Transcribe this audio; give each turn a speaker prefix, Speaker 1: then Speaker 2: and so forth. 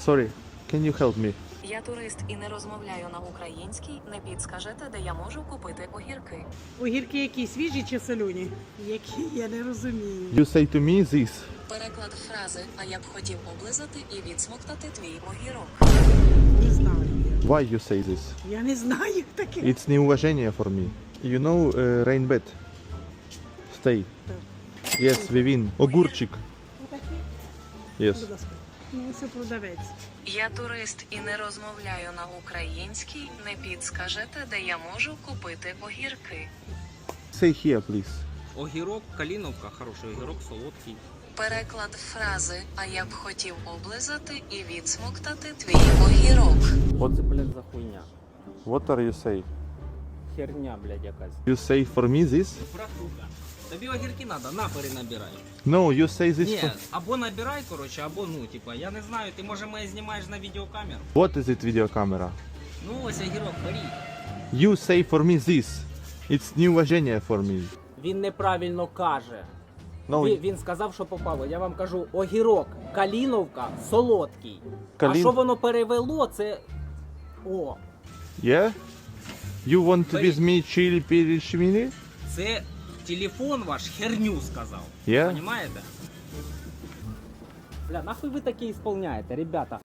Speaker 1: Sorry, can you help me?
Speaker 2: Я турист і не розмовляю на українській. Не підскажете, де я можу купити огірки?
Speaker 3: Огірки які, свіжі чи солені? Які, я не розумію.
Speaker 1: You say to me this.
Speaker 2: Переклад фрази «А я б хотів облизати і відсмоктати твій огірок».
Speaker 3: Не знаю.
Speaker 1: Why you say this?
Speaker 3: Я не знаю таке.
Speaker 1: It's неуважение for me. You know rainbed? Stay. Yes, Vivin. Огурчик. Yes.
Speaker 3: Будь ласка. Ну, це продавець.
Speaker 2: Я турист і не розмовляю на українській. Не підскажете, де я можу купити огірки?
Speaker 1: Say here, please.
Speaker 4: Огірок, каліновка, хороший огірок, солодкий.
Speaker 2: Переклад фрази «А я б хотів облизати і відсмоктати твій огірок».
Speaker 4: Оце, блядь, за хуйня.
Speaker 1: What are you say?
Speaker 4: Херня, блядь, якась.
Speaker 1: You say for me this?
Speaker 4: Братуха, тобі огірки надо, на перенабирай.
Speaker 1: No, you say this
Speaker 4: Ні,
Speaker 1: for...
Speaker 4: або набирай, коротше, або, ну, типа, я не знаю, ти, може, мене знімаєш на відеокамеру?
Speaker 1: What is it video camera?
Speaker 4: Ну, ось огірок, бери.
Speaker 1: You say for me this. It's неуважение for me.
Speaker 4: Він неправильно каже.
Speaker 1: No,
Speaker 4: Він сказав, що попало. Я вам кажу, огірок, каліновка, солодкий. А
Speaker 1: Калін-
Speaker 4: що воно перевело, це... О,
Speaker 1: yeah? You want
Speaker 4: Бери.
Speaker 1: with me chill перешмили?
Speaker 4: це телефон ваш херню сказав.
Speaker 1: Yeah?
Speaker 4: Понимаєте? Бля, нахуй ви таке ісполняєте, ребята?